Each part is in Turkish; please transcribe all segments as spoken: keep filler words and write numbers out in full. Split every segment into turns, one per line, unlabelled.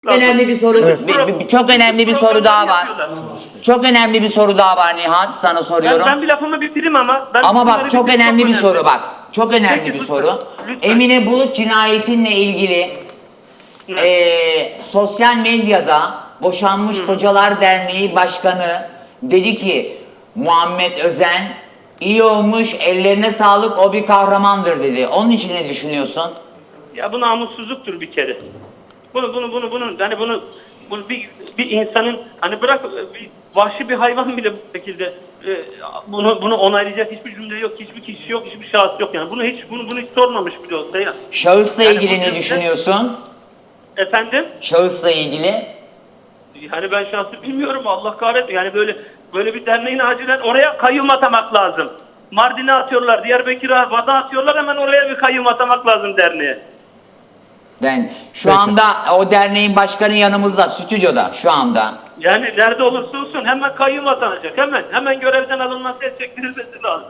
Önemli bir soru,
Evet.
bir- bir- çok önemli bir soru daha var. Çok önemli bir soru daha var Nihat, sana soruyorum.
Ben, ben bir lafımı bitireyim ama. Ben
Ama
bunları
bak çok
bitireyim,
önemli bir
önemli.
soru bak. Çok önemli
Peki,
bir
lütfen,
soru.
lütfen.
Emine Bulut cinayetinle ilgili
Evet.
eee, sosyal medyada Boşanmış Kocalar Derneği Başkanı dedi ki Muhammed Özen iyi olmuş, ellerine sağlık, o bir kahramandır dedi. Onun için ne düşünüyorsun?
Ya bu namussuzluktur bir kere. Bunu bunu bunu bunu hani bunu bunu bir bir insanın hani bırak bir vahşi bir hayvan bile bu şekilde e, bunu bunu onaylayacak hiçbir cümle yok, hiçbir kişi yok, hiçbir şahıs yok yani. Bunu hiç bunu bunu hiç sormamış bile olsa ya.
Şahısla
Yani
ilgili
bu
ne
cümle-
düşünüyorsun?
Efendim?
Şahısla ilgili?
Yani ben şahsı bilmiyorum, Allah kahretsin. Yani böyle böyle bir derneğin acilen oraya kayyum atamak lazım. Mardin'e atıyorlar, Diyarbakır'a, Van'a atıyorlar, hemen oraya bir kayyum atamak lazım derneğe.
Ben şu
Peki.
anda o derneğin başkanı yanımızda, stüdyoda şu anda.
Yani nerede olursa olsun hemen kayyum atanacak. Hemen hemen görevden alınması, el çektirilmesi lazım.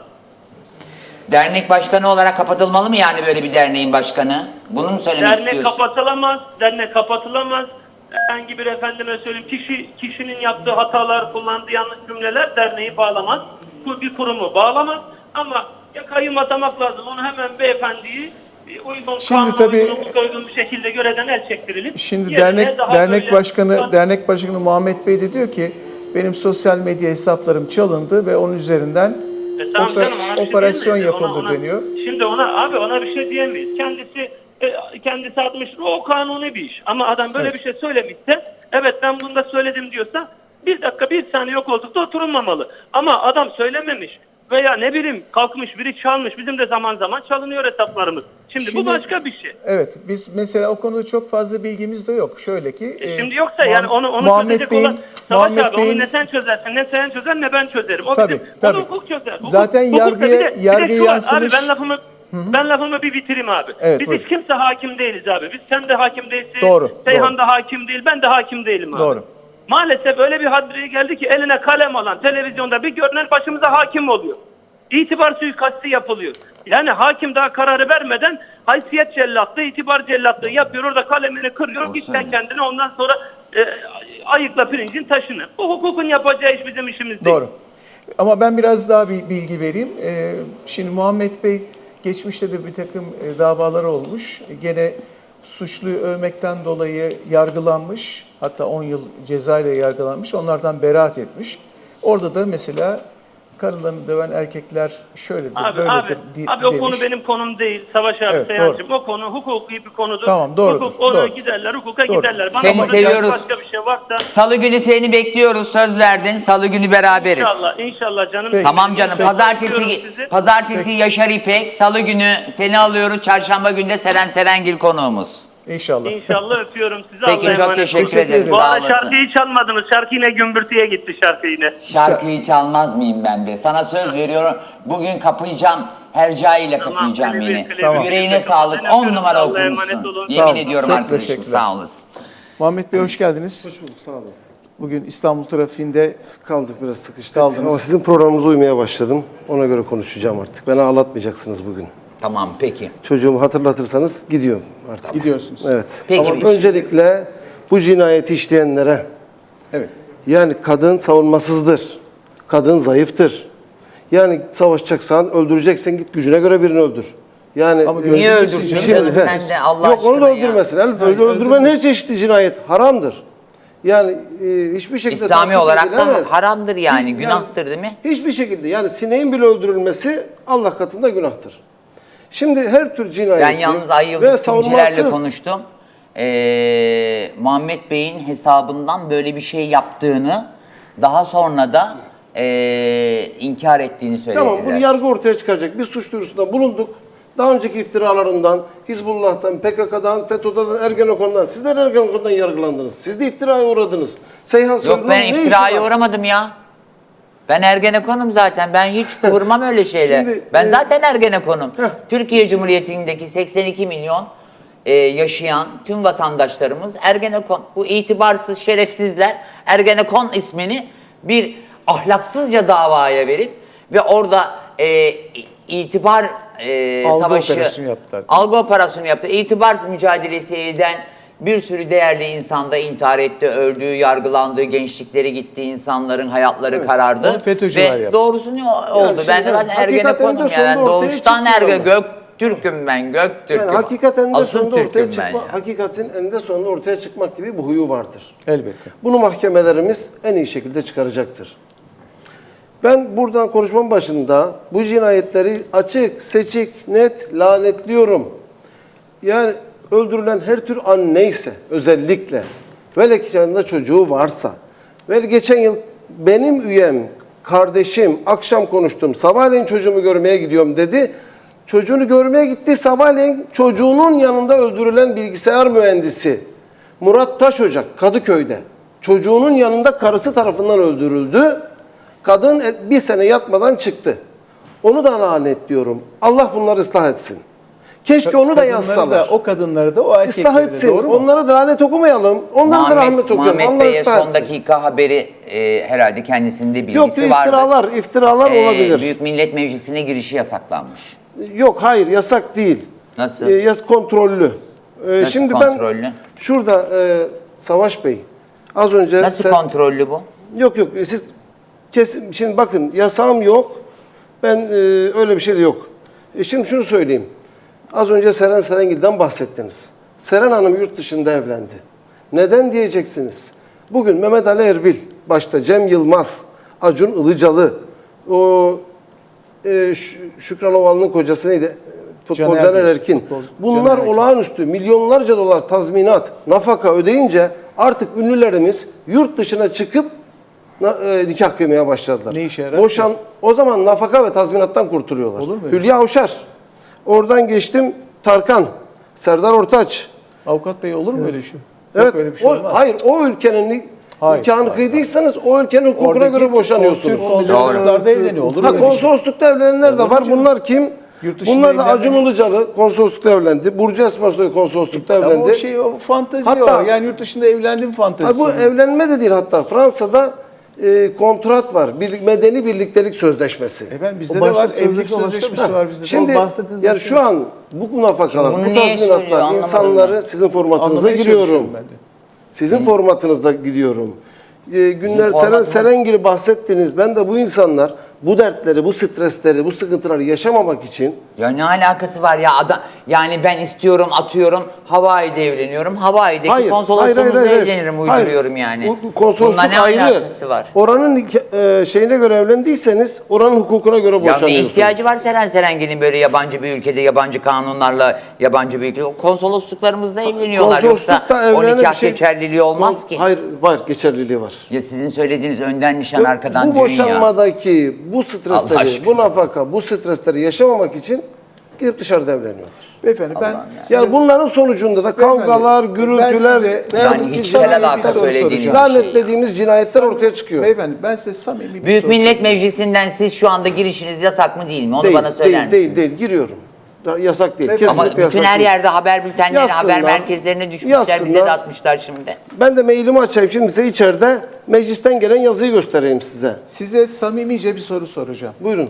Dernek başkanı olarak kapatılmalı mı yani böyle bir derneğin başkanı? Bunu mu söylemek
Dernek
istiyorsun?
kapatılamaz. Dernek kapatılamaz. Herhangi bir efendime söyleyeyim kişi kişinin yaptığı hatalar, kullandığı yanlış cümleler derneği bağlamaz. Bu bir kurumu bağlamaz. Ama ya kayyum atamak lazım. Onu hemen beyefendiyi e, uygun,
Şimdi
kanuna
tabii-
uygun, hukuka uygun bir şekilde görevden el çektirilip
Şimdi
yerine
dernek
daha
dernek
böyle-
başkanı dernek başkanı Muhammed Bey de diyor ki benim sosyal medya hesaplarım çalındı ve onun üzerinden
E tamam
oper-
canım, ona bir şey
operasyon
diyemeyiz.
yapıldı
Ona- ona-
deniyor.
Şimdi ona abi ona bir şey diyemeyiz. Kendisi e, kendisi atmış, o kanuni bir iş. Ama adam böyle
Evet.
bir şey söylemişse, evet ben bunu da söyledim diyorsa bir dakika bir saniye yok koltukta oturulmamalı. Ama adam söylememiş veya ne bileyim kalkmış biri çalmış. Bizim de zaman zaman çalınıyor hesaplarımız. Şimdi,
Şimdi-
bu başka bir şey.
Evet, biz mesela o konuda çok fazla bilgimiz de yok. Şöyle ki
E
e,
şimdi yoksa
Muham-
yani onu onu
Muhammed
çözecek
Bey'in
olan Savaş
Muhammed
abi,
Bey'in
onu ne sen çözersin, ne sen çözer, ne ben çözerim. O
Tabii,
bizim,
tabii.
onu hukuk çözer. Hukuk-
Zaten
hukukta
yargıya-
bir de- bir de
yargıya
şu var,
yansımış-
Abi ben lafımı ben lafımı bir bitireyim abi.
Evet,
Biz
buyurun.
hiç kimse hakim değiliz abi. Biz sen de hakim değilsin.
Doğru,
Seyhan
doğru.
da hakim değil. Ben de hakim değilim abi.
Doğru.
Maalesef öyle bir hadreye geldi ki eline kalem alan televizyonda bir görünen başımıza hakim oluyor. İtibar suikastı yapılıyor. Yani hakim daha kararı vermeden haysiyet cellatlığı, itibar cellatlığı yapıyor. Orada kalemini kırıyor. Git sen kendine, ondan sonra e, ayıkla pirincin taşını. Bu hukukun yapacağı iş bizim işimiz değil.
Doğru. Ama ben biraz daha bir bilgi vereyim. Ee, şimdi Muhammed Bey geçmişte de bir takım e, davaları olmuş. Gene suçluyu övmekten dolayı yargılanmış. Hatta on yıl ceza ile yargılanmış. Onlardan beraat etmiş. Orada da mesela karılarını döven erkekler şöyledir,
Abi,
böyledir
abi,
di-
abi o
demiş.
konu benim konum değil Savaş abi,
Evet,
Seyhan'cığım. O konu hukuki bir konudur.
Tamam, doğrudur,
Hukuk, ona
doğru.
giderler, hukuka
Doğru.
giderler. Bana
Seni
konuşacak
seviyoruz.
başka bir şey varsa
Salı günü seni bekliyoruz, söz verdin. Salı günü beraberiz.
inşallah, inşallah canım.
Peki.
Tamam canım.
Peki.
Pazartesi
Öpüyorum sizi.
pazartesi Yaşar İpek, Salı günü seni alıyoruz. Çarşamba günü de Seren Serengil konuğumuz.
İnşallah.
İnşallah öpüyorum sizi.
Peki,
Allah'a
çok
emanet
teşekkür
olun.
Teşekkür
ederim.
ederiz.
Bu
Sağ
arada
olasın.
şarkıyı çalmadınız. Şarkı yine gümbürtüye gitti şarkı yine.
Şarkıyı çalmaz mıyım ben be? Sana söz veriyorum. Bugün kapayacağım. Hercaiyle
Tamam,
kapayacağım
klibi,
yine.
klibi.
Tamam.
Yüreğine
Ben
sağlık.
öpüyorum.
On numara
Allah'a emanet
okumuşsun.
olun.
Sağ
Yemin
olun.
ediyorum
Çok
arkadaşım.
teşekkürler.
Sağ olasın.
Muhammed Bey hoş geldiniz.
Hoş bulduk, sağ olun.
Bugün İstanbul trafiğinde
Kaldık, biraz sıkıştık.
Kaldınız.
Ama sizin programınıza uymaya başladım. Ona göre konuşacağım artık. Beni ağlatmayacaksınız bugün.
Tamam peki.
Çocuğumu hatırlatırsanız gidiyorum artık.
gidiyorsunuz.
Evet.
Peki,
Ama
biz-
öncelikle bu cinayeti işleyenlere,
Evet.
yani kadın savunmasızdır. Kadın zayıftır. Yani savaşacaksan, öldüreceksen git gücüne göre birini öldür. Yani
Ama
e,
niye
Niye
öldürsün
öldürsün
canım?
canım
he.
sen de Allah
Yok, onu da
aşkına ya.
öldürmesin. El,
Hayır,
öldürmen her
öldürmesin.
çeşitli cinayet haramdır. Yani e, hiçbir şekilde
İslami
tasvip
olarak da
edilemez.
haramdır yani,
Hiç-
günahtır değil mi?
Hiçbir şekilde, yani sineğin bile öldürülmesi Allah katında günahtır. Şimdi her tür cinayeti
Ben yalnız Ay
ve
Yıldız Simcilerle
savunmasız-
konuştum. Ee, Muhammed Bey'in hesabından böyle bir şey yaptığını, daha sonra da ee, inkar ettiğini söylediler.
Tamam, bunu yargı ortaya çıkaracak. Biz suç duyurusunda bulunduk. Daha önceki iftiralarından, Hizbullah'tan, P K K'dan, FETÖ'den, Ergenekon'dan, sizler Ergenekon'dan yargılandınız. Siz de iftiraya uğradınız. Seyhan
Yok
Soylu'nun
ben
ne işi
iftiraya
var?
uğramadım ya. Ben Ergenekon'um zaten. Ben hiç kıvırmam öyle şeyler.
Şimdi,
ben
e,
zaten Ergenekon'um.
Heh.
Türkiye Cumhuriyeti'ndeki seksen iki milyon e, yaşayan tüm vatandaşlarımız Ergenekon. Bu itibarsız şerefsizler Ergenekon ismini bir ahlaksızca davaya verip ve orada e, itibar e,
Algı
savaşı,
operasyonu yaptılar.
algı operasyonu yaptı. İtibar mücadelesi eden Bir sürü değerli insan da intihar etti, öldü, yargılandı, gençlikleri gitti, insanların hayatları
Evet,
karardı.
onu FETÖ'cüler
Ve
yaptı.
doğrusu ne o- oldu?
şimdi
ben de zaten
hakikaten
Ergenekon'um
de
ya. Ben
sonunda ortaya
doğuştan
çıkıyor
Erge,
ama.
Göktürk'üm ben, Göktürk'üm.
Yani hakikaten de
Asıl
sonunda ortaya
Türk'üm ben
çıkma,
ya.
hakikatin eninde sonunda ortaya çıkmak gibi bir huyu vardır.
Elbette.
Bunu mahkemelerimiz en iyi şekilde çıkaracaktır. Ben buradan konuşmam başında bu cinayetleri açık, seçik, net lanetliyorum. Yani öldürülen her tür an neyse özellikle ve ki yanında çocuğu varsa ve geçen yıl benim üyem, kardeşim akşam konuştum, sabahleyin çocuğumu görmeye gidiyorum dedi. Çocuğunu görmeye gitti, sabahleyin çocuğunun yanında öldürülen bilgisayar mühendisi Murat Taşocak Kadıköy'de çocuğunun yanında karısı tarafından öldürüldü. Kadın bir sene yatmadan çıktı. Onu da lanetliyorum. Allah bunları ıslah etsin. Keşke onu da
Kadınları
yazsalar.
Da, o kadınları da o
Islah
erkekleri de,
etsin.
doğru mu?
Onlara da lanet okumayalım. Onlara da rahmet okuyalım.
Muhammed
Allah
Bey'e
ıslah
son
etsin.
dakika haberi e, herhalde kendisinde bilgisi
Yok
vardı.
iftiralar, iftiralar
E,
olabilir.
Büyük Millet Meclisi'ne girişi yasaklanmış.
Yok hayır yasak değil.
Nasıl?
E, yas kontrollü. E,
Nasıl
şimdi
kontrollü?
ben şurada e, Savaş Bey az önce
Nasıl
sen-
kontrollü bu?
Yok yok siz kesin şimdi bakın yasağım yok. Ben e, öyle bir şey de yok. E, şimdi şunu söyleyeyim. Az önce Seren Serengil'den bahsettiniz. Seren Hanım yurt dışında evlendi. Neden diyeceksiniz? Bugün Mehmet Ali Erbil, başta Cem Yılmaz, Acun Ilıcalı, o e, Ş- Şükran Ovalı'nın kocası neydi? Futbol
Caner
Caner
diyorsun,
Erkin.
futbolcu
Bunlar
Caner Erkin.
olağanüstü milyonlarca dolar tazminat, nafaka ödeyince artık ünlülerimiz yurt dışına çıkıp na- e, nikah kıymaya başladılar.
Ne işe yarar?
Boşan, o zaman nafaka ve tazminattan kurtuluyorlar.
Olur mu öyle
Hülya Avşar. Oradan geçtim Tarkan, Serdar Ortaç.
Avukat Bey olur mu öyle şey?
Evet,
Yok öyle bir şey
o,
olmaz.
hayır o ülkenin ni-
Hayır,
nikahını
hayır,
kıydıysanız o ülkenin hukukuna
Oradaki
göre boşanıyorsunuz.
Türk konsolosluklarda evleniyor. Olur mu
Ha,
öyle bir şey?
konsoloslukta evlenenler de
Olur mu
var.
canım?
Bunlar kim?
Yurt dışında
Bunlar da
evlenmeyen-
Acun Ilıcalı konsoloslukta evlendi. Burcu Esmersoy konsoloslukta evlendi.
Ama o şey o fantezi
Hatta-
o. Yani yurt dışında evlendim
Ha,
fantezisi.
bu evlenme de değil hatta. Fransa'da e, kontrat var. Bir, medeni birliktelik sözleşmesi.
Efendim bizde
O
de
başka
var. Evlilik
sözleşme başka bir
sözleşmesi
şey.
var bizde de.
Şimdi
O bahsettiğiniz
yani
başka
şu
bir
an bu nafakalar,
Bunu
bu
niye söylüyor,
tazminatlar
anlamadım
insanları
ben.
sizin formatınıza
Anlamaya
giriyorum.
çalışıyorum ben de.
Sizin formatınızda gidiyorum. Ee, günler
Bizim
Seren
formatımız-
Serengil'i bahsettiniz. Ben de bu insanlar bu dertleri, bu stresleri, bu sıkıntıları yaşamamak için
Ya ne alakası var ya adam yani ben istiyorum atıyorum Hawaii'de evleniyorum. Hawaii'deki konsolosluğumuzda evlenirim uyduruyorum yani.
Bu, bu konsolosluk
Bununla ne
ayrı.
alakası var?
Oranın nik- e, şeyine göre evlendiyseniz oranın hukukuna göre
Ya
boşanıyorsunuz.
ne ihtiyacı var Seren Serengil'in böyle yabancı bir ülkede yabancı kanunlarla yabancı bir ülkede konsolosluklarımızda evleniyorlar yoksa
Konsoloslukta
o
evlenen
nikah
bir şey-
geçerliliği olmaz
Kons-
ki.
Hayır var geçerliliği var.
Ya sizin söylediğiniz önden nişan arkadan
bu
düğün ya.
boşanmadaki bu
Allah
stresleri,
aşkına.
bu nafaka, bu stresleri yaşamamak için gidip dışarıda evleniyorlar.
Beyefendi ben
Allah'ım ya.
size-
Yani bunların sonucunda da
Beyefendi,
kavgalar,
ben
gürültüler,
size-
ne
Yani
yazık ki
hiçbir
samimi bir
alaka
soru
söylediğiniz
soracağım.
bir şey
Lanetlediğimiz cinayetler ortaya çıkıyor.
Beyefendi ben size samimi bir
Büyük
soru
Millet
sorayım.
Meclisi'nden siz şu anda girişiniz yasak mı değil mi? Onu
değil,
bana söyler
değil,
misiniz?
değil, değil, giriyorum. Yasak değil,
Beyefendi,
Ama
kesinlikle
bütün
yasak
her
değil.
yerde haber bültenleri,
Yazsınlar,
haber merkezlerine düşmüşler, bize
yazsınlar.
de atmışlar şimdi.
Ben de mailimi açayım şimdi size içeride meclisten gelen yazıyı göstereyim size.
Size samimice bir soru soracağım.
Buyurun.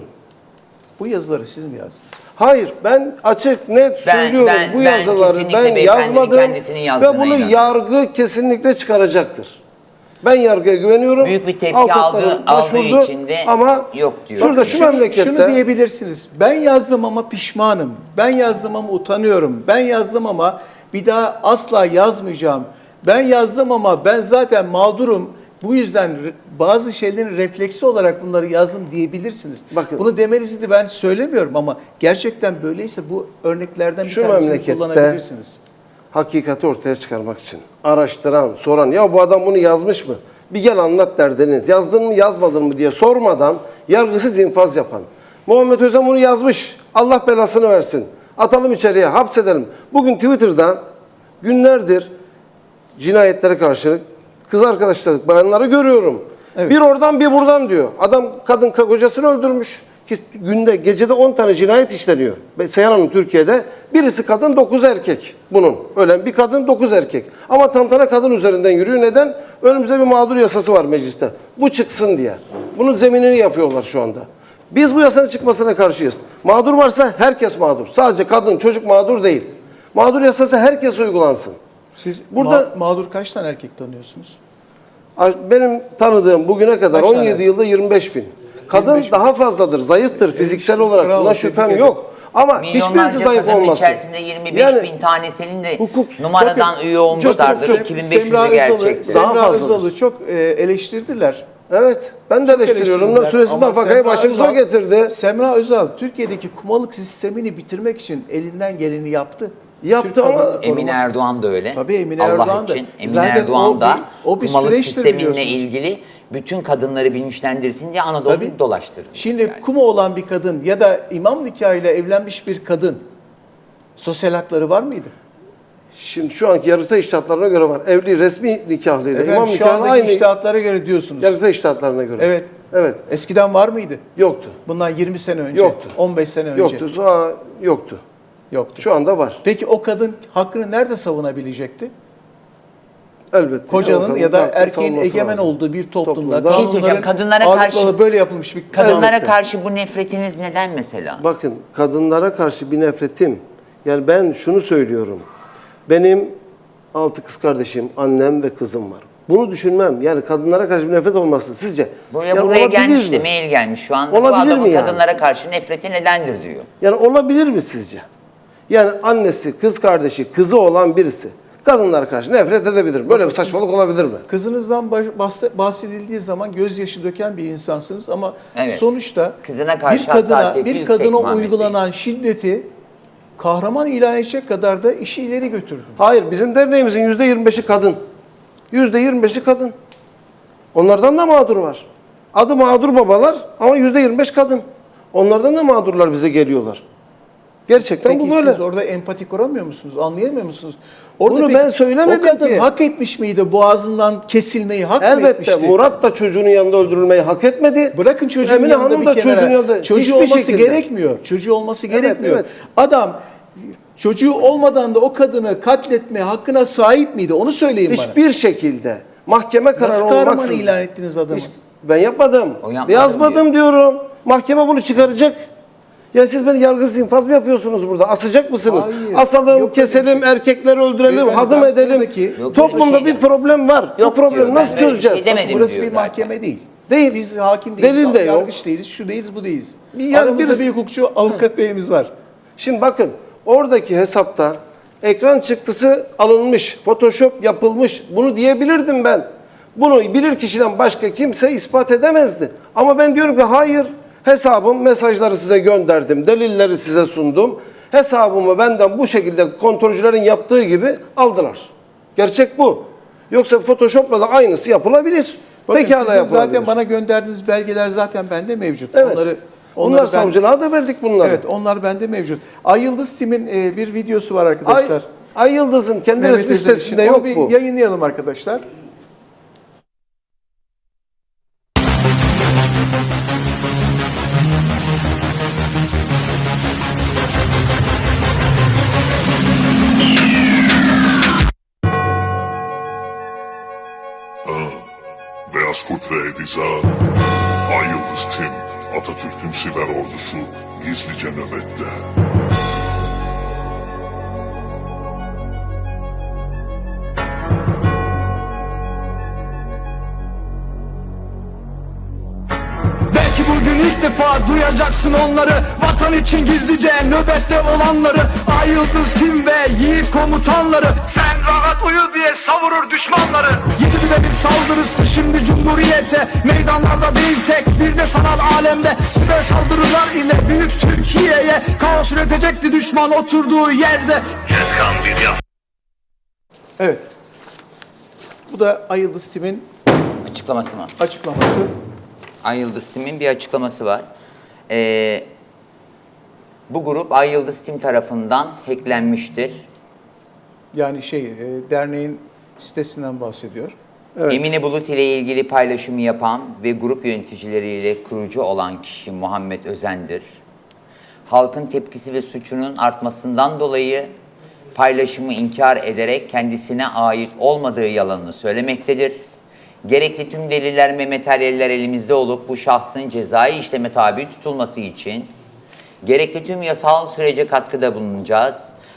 Bu yazıları siz mi yazdınız?
Hayır ben açık net
Ben-
söylüyorum
ben-
bu
ben
yazıları
kesinlikle
ben
beyefendinin
yazmadım
kendisinin
ve
yazdığına
bunu
inanıyorum.
yargı kesinlikle çıkaracaktır. Ben yargıya güveniyorum.
Büyük bir tepki
Avukatlarım
aldığı- aldığı
başvurdu
için de
ama
yok diyor.
Şurada şu
Şunu-
memlekette
Şunu diyebilirsiniz. Ben yazdım ama pişmanım. Ben yazdım ama utanıyorum. Ben yazdım ama bir daha asla yazmayacağım. Ben yazdım ama ben zaten mağdurum. Bu yüzden re- bazı şeylerin refleksi olarak bunları yazdım diyebilirsiniz.
Bakın.
Bunu demenizi de ben söylemiyorum ama gerçekten böyleyse bu örneklerden bir
Şu
tanesini
memlekette-
kullanabilirsiniz.
hakikati ortaya çıkarmak için araştıran, soran ya bu adam bunu yazmış mı? Bir gel anlat derdini. Yazdın mı yazmadın mı diye sormadan yargısız infaz yapan. Muhammed Özen bunu yazmış. Allah belasını versin. Atalım içeriye, hapsedelim. Bugün Twitter'da günlerdir cinayetlere karşı kız arkadaşlar, bayanları görüyorum.
Evet.
Bir oradan bir buradan diyor. Adam kadın kocasını öldürmüş. Ki günde gecede on tane cinayet işleniyor. Seyhan Hanım Türkiye'de. Birisi kadın, dokuz erkek. Bunun. Ölen bir kadın, dokuz erkek. Ama tantana kadın üzerinden yürüyor. Neden? Önümüzde bir mağdur yasası var mecliste. Bu çıksın diye. Bunun zeminini yapıyorlar şu anda. Biz bu yasanın çıkmasına karşıyız. Mağdur varsa herkes mağdur. Sadece kadın, çocuk mağdur değil. Mağdur yasası herkes uygulansın.
Siz
Burada-
ma- mağdur kaç tane erkek tanıyorsunuz?
Benim tanıdığım bugüne kadar
Kaç
on
tane?
yedi yılda yirmi beş bin. Kadın
yirmi beş bin.
daha fazladır, zayıftır fiziksel
işte,
olarak.
bravo,
Buna
tebrik
şüphem
ederim.
yok. Ama hiçbirisi
Milyonlarca
zayıf
kadının
olmasın.
içerisinde yirmi beş
Yani
bin tanesinin de
hukuk-
numaradan
Bakın,
üye olmuşlardır.
çok-
iki bin beş
Semra
yüzü
Özal'ı,
gerçektir.
Daha
Semra
fazladır.
Özal'ı çok e, eleştirdiler.
evet, ben de
Çok
eleştiriyorum. Onlar
eleştirdiler.
süresiz
Ama
nafakayı
Semra
başımıza
Özal-
getirdi.
Semra Özal Türkiye'deki kumalık sistemini bitirmek için elinden geleni yaptı.
Yaptı
Türk
ama-
kadını korumak-
Emine Erdoğan da öyle.
Tabii Emine
Allah
Erdoğan da.
için. Emine
Zaten
Erdoğan
o
da
bir- o bir
kumalık
süreçtir
sisteminle
biliyorsunuz.
ilgili bütün kadınları bilinçlendirsin diye Anadolu'yu
Tabii.
dolaştırdı.
Şimdi
Yani.
kuma olan bir kadın ya da imam nikahıyla evlenmiş bir kadın sosyal hakları var mıydı?
Şimdi şu anki yargıtay iştahatlarına göre var. Evli resmi nikahlıyla
Efendim
imam
şu
nikahı
andaki
aynı
iştahatlara göre diyorsunuz.
yargıtay iştahatlarına göre.
Evet.
Evet.
Eskiden var mıydı?
Yoktu.
Bundan yirmi sene önce,
Yoktu.
on beş sene önce.
Yoktu. Sonra yoktu.
Yoktu.
Şu anda var.
Peki o kadın hakkını nerede savunabilecekti?
Elbette.
Kocanın
Avukatın
ya da
hakkını
erkeğin
savunması
egemen
lazım.
olduğu bir toplumda,
Toplumda.
Bir şey söyleyeceğim,
kanunların
kadınlara
ağırlıkla
karşı-
böyle yapılmış bir
Kadınlara
Elbette.
karşı bu nefretiniz neden mesela?
Bakın kadınlara karşı bir nefretim. Yani ben şunu söylüyorum. Benim altı kız kardeşim, annem ve kızım var. Bunu düşünmem. Yani kadınlara karşı bir nefret olması sizce?
Buraya,
yani
buraya
olabilir
gelmiş
mi?
de mail gelmiş şu anda. Bu
Olabilir
adamın
mi yani?
kadınlara karşı nefreti nedendir diyor.
Yani olabilir mi sizce? Yani annesi, kız kardeşi, kızı olan birisi kadınlara karşı nefret edebilir mi? Böyle
Bakın
bir saçmalık olabilir mi?
Kızınızdan baş- bahse- bahsedildiği zaman gözyaşı döken bir insansınız ama
Evet.
sonuçta
Kızına karşı
bir kadına
hassasiyeti
bir
yüksek
kadına
Muhammed Bey.
uygulanan şiddeti kahraman ilan edecek kadar da işi ileri götürdü.
Hayır, bizim derneğimizin yüzde yirmi beşi kadın. Yüzde yirmi beşi kadın. Onlardan da mağdur var. Adı mağdur babalar ama yüzde yirmi beş kadın. Onlardan da mağdurlar bize geliyorlar. Gerçekten
Peki
bu böyle.
siz orada empati kuramıyor musunuz? Anlayamıyor musunuz? Orada
Bunu
peki
ben söylemedim
o kadın
ki.
hak etmiş miydi boğazından kesilmeyi? Hak mı
Elbette
etmişti?
Murat da çocuğunun yanında öldürülmeyi hak etmedi.
Bırakın çocuğun
Emine
yanında
Hanım
bir
da
kenara.
çocuğun yanında.
Çocuğu
Hiçbir
olması
şekilde.
gerekmiyor. Çocuğu olması
Evet,
gerekmiyor.
evet.
Adam çocuğu olmadan da o kadını katletme hakkına sahip miydi? Onu söyleyin bana.
Hiçbir şekilde mahkeme kararı
Nasıl kahraman
olmaksızın.
ilan ettiniz adamı?
Hiç- Ben yapmadım.
O yapmadım
Yazmadım diyorum. Mahkeme bunu çıkaracak. Ya siz beni yargısız infaz mı yapıyorsunuz burada? Asacak mısınız?
Hayır.
Asalım,
Yok
keselim, erkekleri öldürelim,
Beyefendi,
hadım
ben
edelim.
buradaki-
Yok,
Toplumda
öyle bir
bir
şey
problem var.
Yok
Bu problemi
diyor,
nasıl
ben böyle bir şey
çözeceğiz?
demedim.
Burası
diyor
bir
zaten.
mahkeme değil.
Değil.
Biz hakim değiliz,
Delil de yok.
yargıç değiliz, şu değiliz, bu değiliz.
Bir- yani
Aramızda
birisi-
bir hukukçu, avukat beyimiz var.
Şimdi bakın oradaki hesapta ekran çıktısı alınmış, Photoshop yapılmış. Bunu diyebilirdim ben. Bunu bilir kişiden başka kimse ispat edemezdi. Ama ben diyorum ki hayır. Hesabım, mesajları size gönderdim, delilleri size sundum. Hesabımı benden bu şekilde kontrolcülerin yaptığı gibi aldılar. Gerçek bu. Yoksa Photoshop'la da aynısı yapılabilir.
Bakın
Pekala
sizin
yapılabilir.
zaten bana gönderdiğiniz belgeler zaten bende mevcut.
Evet.
Onları,
Onlar
onları ben-
savcılığa da verdik bunları.
Evet, onlar bende mevcut. Ay Yıldız Tim'in e, bir videosu var
Ay,
arkadaşlar.
Ay Yıldız'ın kendi
Mehmet
resmi
Özel için.
sitesinde
Onu
yok
bir
bu.
yayınlayalım arkadaşlar.
Beyaz Kurt ve Ediza, Ay Yıldız Tim, Atatürk'ün siber ordusu gizlice nöbette.
Belki bugün ilk defa duyacaksın onları, vatan için gizlice nöbette olanları, Ay Yıldız Tim ve Yiğit komutanları. Sen rahat uyu diye savurur düşmanları. Yedi bile bir saldırısı şimdi cumhuriyete, meydanlarda değil tek bir de sanal alemde. Siber saldırılar ile büyük Türkiye'ye kaos üretecekti düşman oturduğu yerde.
Evet. Bu da Ay Yıldız Tim'in
Açıklaması mı?
açıklaması.
Ay Yıldız Tim'in bir açıklaması var. Ee, bu grup Ay Yıldız Tim tarafından hacklenmiştir.
Yani şey, e, derneğin sitesinden bahsediyor.
Evet.
Emine Bulut ile ilgili paylaşımı yapan ve grup yöneticileriyle kurucu olan kişi Muhammed Özen'dir. Halkın tepkisi ve suçunun artmasından dolayı paylaşımı inkar ederek kendisine ait olmadığı yalanını söylemektedir. Gerekli tüm deliller ve materyaller elimizde olup bu şahsın cezai işleme tabi tutulması için gerekli tüm yasal sürece katkıda bulunacağız.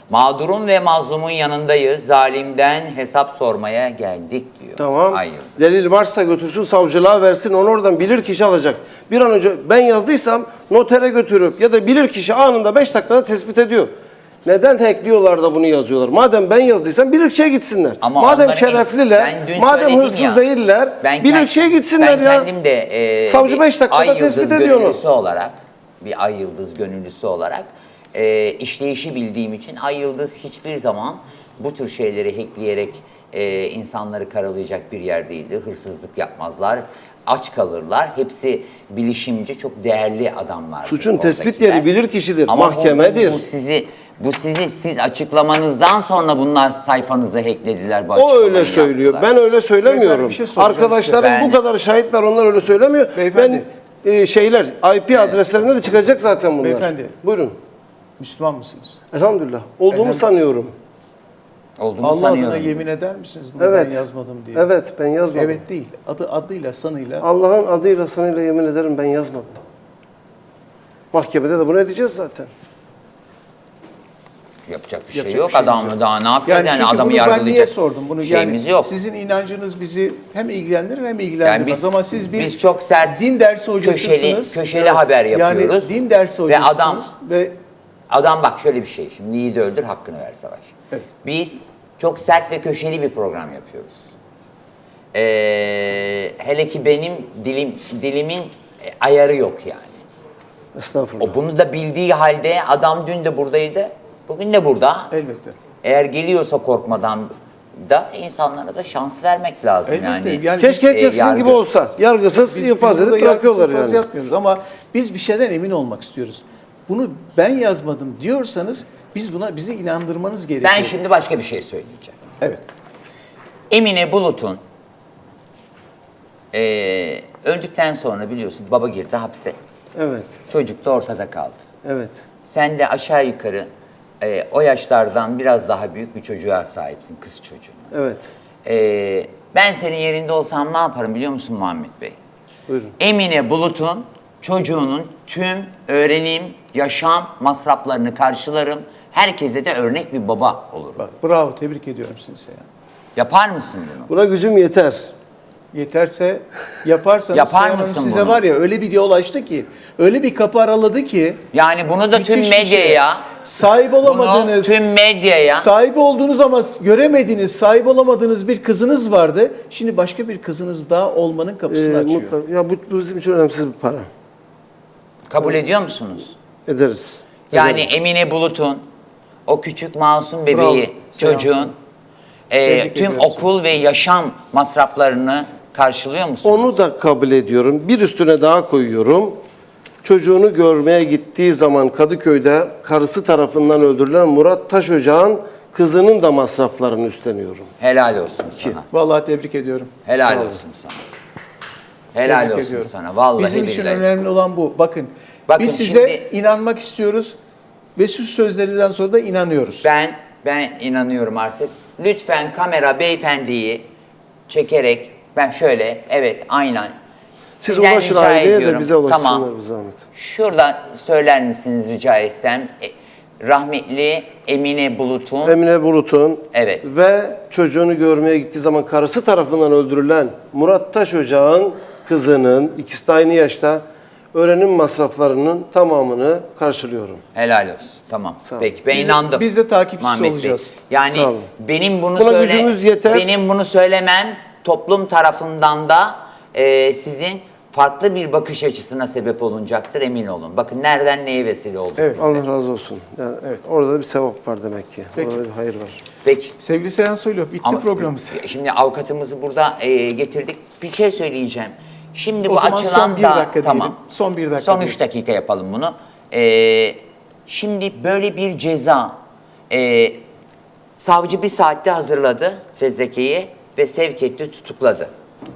Mağdurun ve mazlumun yanındayız. Zalimden hesap sormaya geldik diyor.
Tamam.
Hayır.
Delil varsa götürsün savcılığa versin. Onu oradan bilir kişi alacak. Bir an önce ben yazdıysam notere götürüp ya da bilir kişi anında beş dakikada tespit ediyor. Neden hackliyorlar da bunu yazıyorlar? Madem ben yazdıysam bilirkişiye gitsinler.
Ama
madem
onların-
şerefliler,
ben dün
madem
söyledim
hırsız
ya,
değiller,
Ben
bilirkişiye
kend-
gitsinler
ben
ya.
kendim de e,
Savcı
bir
beş dakikada
ay
tespit
yıldız
ediyor onu.
gönüllüsü olarak, bir ay yıldız gönüllüsü olarak e, işleyişi bildiğim için ay yıldız hiçbir zaman bu tür şeyleri hackleyerek e, insanları karalayacak bir yer değildir. Hırsızlık yapmazlar, aç kalırlar. Hepsi bilişimci, çok değerli adamlar.
Suçun tespit yeri bilirkişidir,
Ama bu-
mahkemedir.
Bu, bu sizi bu sizi siz açıklamanızdan sonra bunlar sayfanızı hacklediler. Bu
O
açıklamayı
öyle söylüyor.
yaptılar.
Ben öyle söylemiyorum.
Beyefendi, bir şey soracağım
Arkadaşlarım
size.
bu kadar şahit var, onlar öyle söylemiyor.
Beyefendi.
Ben e, şeyler I P adreslerinde de çıkacak zaten bunlar.
Beyefendi.
Buyurun.
Müslüman mısınız?
Elhamdülillah. Olduğumu
Elhamdülillah.
sanıyorum.
Olduğunu
Allah
sanıyorum.
adına yemin eder misiniz bunu
Evet.
ben yazmadım diye?
Evet, ben yazmadım.
Evet değil. Adı adıyla sanıyla.
Allah'ın adıyla sanıyla yemin ederim ben yazmadım. Mahkemede de bunu edeceğiz zaten.
Yapacak bir şey
Yapacak
yok.
bir şeyimiz
Adam
yok.
daha ne yapacak? Yani,
çünkü
adamı
bunu ben
yargılayacak
niye sordum bunu?
şeyimiz
yani
yok.
Sizin inancınız bizi hem ilgilendirir hem ilgilendirmez.
Yani biz-
Ama siz bir
biz çok sert,
din dersi hocasısınız.
köşeli- köşeli haber yapıyoruz.
Yani din dersi
Ve adam-
hocasısınız. Ve,
Adam bak şöyle bir şey. Şimdi yiğidi öldür, hakkını ver Savaş.
Evet.
Biz çok sert ve köşeli bir program yapıyoruz. Ee, hele ki benim dilim dilimin e, ayarı yok yani.
Estağfurullah.
O bunu da bildiği halde adam dün de buradaydı, bugün de burada.
elbette.
Eğer geliyorsa korkmadan da insanlara da şans vermek lazım
Elbette.
yani.
Yani
Keşke
e,
herkes sizin
yargı-
gibi olsa. Yargısız
Biz,
infaz
biz burada
edip bırakıyorlar
yargısız infaz
yani.
yapmıyoruz ama biz bir şeyden emin olmak istiyoruz. Bunu ben yazmadım diyorsanız biz buna bizi inandırmanız gerekiyor.
Ben şimdi başka bir şey söyleyeceğim.
Evet.
Emine Bulut'un eee, öldükten sonra biliyorsun baba girdi hapse.
Evet.
Çocuk da ortada kaldı.
Evet.
Sen de aşağı yukarı eee, o yaşlardan biraz daha büyük bir çocuğa sahipsin, kız çocuğu.
Evet.
Eee, ben senin yerinde olsam ne yaparım biliyor musun Muhammed Bey?
Buyurun.
Emine Bulut'un çocuğunun tüm öğrenim, yaşam masraflarını karşılarım. Herkese de örnek bir baba olurum.
Bak bravo tebrik ediyorum sizi ya.
Yapar mısın bunu?
Buna gücüm yeter.
Yeterse yaparsanız
Yapar
Sayın Hanım
mısın
size
bunu?
var ya öyle bir yol açtı ki, öyle bir kapı araladı ki.
Yani bunu da tüm
müthiş bir şey.
medyaya,
Sahip olamadığınız,
tüm medyaya-
sahip olduğunuz ama göremediğiniz, sahip olamadığınız bir kızınız vardı. Şimdi başka bir kızınız daha olmanın kapısını
Ee,
açıyor.
mutlaka- ya bu, bu bizim için önemsiz bir para.
kabul ediyor musunuz?
Ederiz.
Yani
Ederiz.
Emine Bulut'un, o küçük masum
Bravo,
bebeği,
seansın.
çocuğun e,
Tebrik
tüm
ediyorum
okul ve yaşam masraflarını karşılıyor musunuz?
Onu da kabul ediyorum. Bir üstüne daha koyuyorum. Çocuğunu görmeye gittiği zaman Kadıköy'de karısı tarafından öldürülen Murat Taşocağ'ın kızının da masraflarını üstleniyorum.
Helal olsun sana.
Vallahi tebrik ediyorum.
Helal olsun sana. Helal
Tebrik
olsun
ediyorum.
sana. Vallahi
Bizim için
billahi.
önemli olan bu. Bakın,
Bakın
biz size
şimdi-
inanmak istiyoruz ve şu sözlerinden sonra da inanıyoruz.
Ben ben inanıyorum artık. Lütfen kamera beyefendiyi çekerek ben şöyle evet aynen.
Siz
Sizden
ulaşın
rica
aileye de
ediyorum.
bize ulaşsınlar
Tamam.
bir zahmet.
Şuradan söyler misiniz rica etsem? E, rahmetli Emine Bulut'un
Emine Bulut'un
Evet.
ve çocuğunu görmeye gittiği zaman karısı tarafından öldürülen Murat Taşocağ'ın kızının, ikisi de aynı yaşta, öğrenim masraflarının tamamını karşılıyorum.
helal olsun. Tamam.
Sağ olun.
Peki ben
Biz de-
inandım.
biz de takipçisi
Muhammed Bey.
olacağız.
Yani
Sağ olun.
benim bunu
Buna
söyle
gücümüz yeter.
benim bunu söylemem toplum tarafından da e, sizin farklı bir bakış açısına sebep olunacaktır emin olun. Bakın nereden neye vesile oldu.
Evet.
Allah razı olsun. Yani orada da bir sevap var demek ki.
Peki.
Orada bir hayır var.
Peki.
Sevgili Seyhan Soylu, bitti
Ama
programımız.
Şimdi avukatımızı burada e, getirdik. Bir şey söyleyeceğim. Şimdi
O
bu
zaman
açılan
son bir
da
dakika
tamam.
diyelim. Son bir dakika
Son
diyelim.
üç dakika yapalım bunu. E, şimdi böyle bir ceza e, savcı bir saatte hazırladı fezlekeyi ve sevk etti, tutukladı.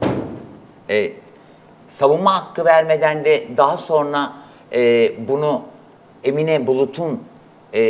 E, savunma hakkı vermeden de daha sonra e, bunu Emine Bulut'un e,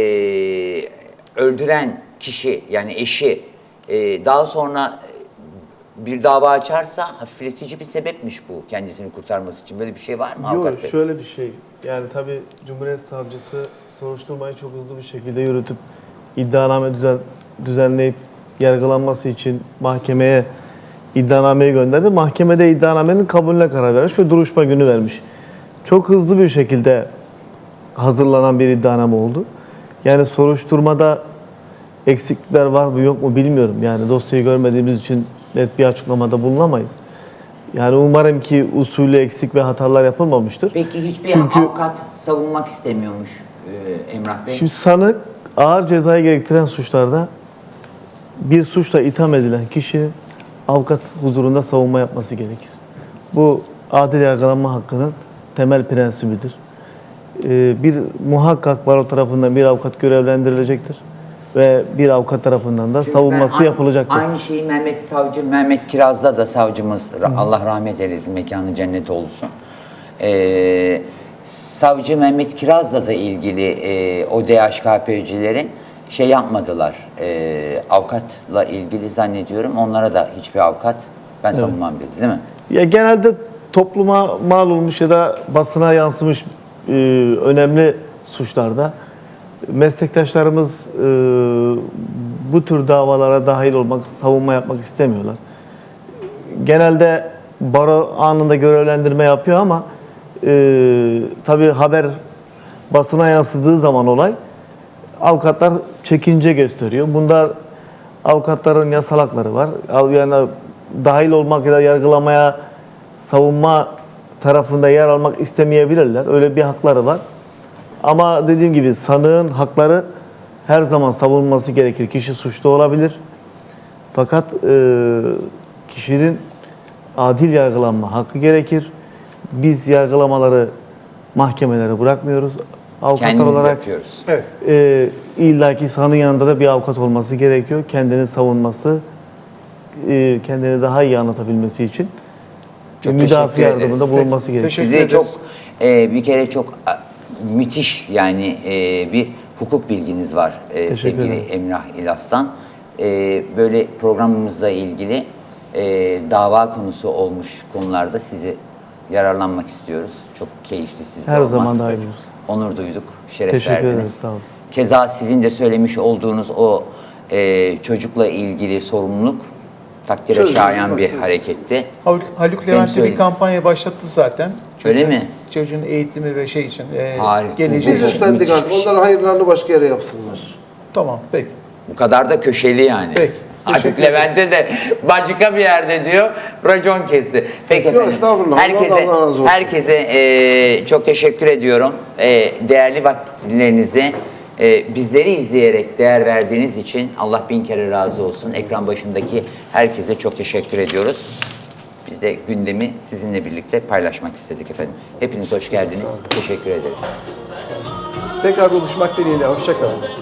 öldüren kişi yani eşi e, daha sonra bir dava açarsa hafifletici bir sebepmiş bu kendisini kurtarması için. Böyle bir şey var mı avukat
Yok
bey?
şöyle bir şey. Yani tabii Cumhuriyet Savcısı soruşturmayı çok hızlı bir şekilde yürütüp iddianame düzen, düzenleyip yargılanması için mahkemeye iddianameyi gönderdi. Mahkemede iddianamenin kabulüne karar vermiş ve duruşma günü vermiş. Çok hızlı bir şekilde hazırlanan bir iddianame oldu. Yani soruşturmada eksiklikler var mı yok mu bilmiyorum. Yani dosyayı görmediğimiz için net bir açıklamada bulunamayız. Yani umarım ki usulü eksik ve hatalar yapılmamıştır.
Peki hiçbir
Çünkü-
avukat savunmak istemiyormuş e, Emrah Bey.
Şimdi sanık ağır cezayı gerektiren suçlarda bir suçla itham edilen kişi avukat huzurunda savunma yapması gerekir. Bu adil yargılanma hakkının temel prensibidir. Ee, bir muhakkak baro tarafından bir avukat görevlendirilecektir ve bir avukat tarafından da
Çünkü
savunması
ben a-
yapılacaktır.
Aynı şeyi Mehmet Savcı, Mehmet Kiraz'da da savcımız, ra- Allah rahmet eylesin, mekanı cennet olsun. Ee, savcı Mehmet Kiraz'la da ilgili e, o D H K P'cilerin şey yapmadılar. E, avukatla ilgili zannediyorum onlara da hiçbir avukat ben savunmam dedi değil mi?
Ya genelde topluma mal olmuş ya da basına yansımış e, önemli suçlarda meslektaşlarımız e, bu tür davalara dahil olmak, savunma yapmak istemiyorlar. Genelde baro anında görevlendirme yapıyor ama e, tabii haber basına yansıdığı zaman olay avukatlar çekince gösteriyor. Bunda avukatların yasal hakları var. Yani dahil olmak ya da yargılamaya, savunma tarafında yer almak istemeyebilirler. Öyle bir hakları var. Ama dediğim gibi sanığın hakları her zaman savunulması gerekir. Kişi suçlu olabilir. Fakat e, kişinin adil yargılanma hakkı gerekir. Biz yargılamaları mahkemelere bırakmıyoruz. Avukatlar
Kendimiz
olarak
yapıyoruz.
Evet.
e, illaki sanığın yanında da bir avukat olması gerekiyor. Kendini savunması, e, kendini daha iyi anlatabilmesi için
Çok
müdafi
teşekkür ederiz.
yardımında bulunması gerekiyor.
Teşekkür
Size
ederiz.
çok e, bir kere çok a, müthiş yani e, bir hukuk bilginiz var e,
Teşekkür
sevgili
ederim.
Emrah İlas'tan. E, böyle programımızla ilgili e, dava konusu olmuş konularda sizi yararlanmak istiyoruz. Çok keyifli sizle
Her
olmak.
zaman daimiz.
Onur duyduk, şeref
Teşekkür
verdiniz.
ederiz, sağ olun.
Keza sizin de söylemiş olduğunuz o e, çocukla ilgili sorumluluk takdire
Sözünüzü
şayan bir
bıraktınız.
hareketti.
Haluk, Haluk Levent de
söyleyeyim.
bir kampanya başlattı zaten.
Öyle mi?
Çocuğun eğitimi ve şey için, e,
Harika.
geleceği
Biz
Çok
için.
üstlendik
müthiş
artık.
bir şey.
Onların hayırlarını başka yere yapsınlar.
Tamam, peki.
Bu kadar da köşeli yani.
Peki,
Artık
teşekkür
Levent'e de başka bir yerde diyor racon kesti. Peki
Yok,
efendim.
estağfurullah.
Herkese,
Allah razı olsun.
herkese e, çok teşekkür ediyorum. E, değerli vakitlerinizi e, bizleri izleyerek değer verdiğiniz için Allah bin kere razı olsun. Ekran başındaki herkese çok teşekkür ediyoruz. Biz de gündemi sizinle birlikte paylaşmak istedik efendim. Hepiniz hoş geldiniz. Teşekkür ederiz.
Tekrar buluşmak dileğiyle. Hoşça kalın.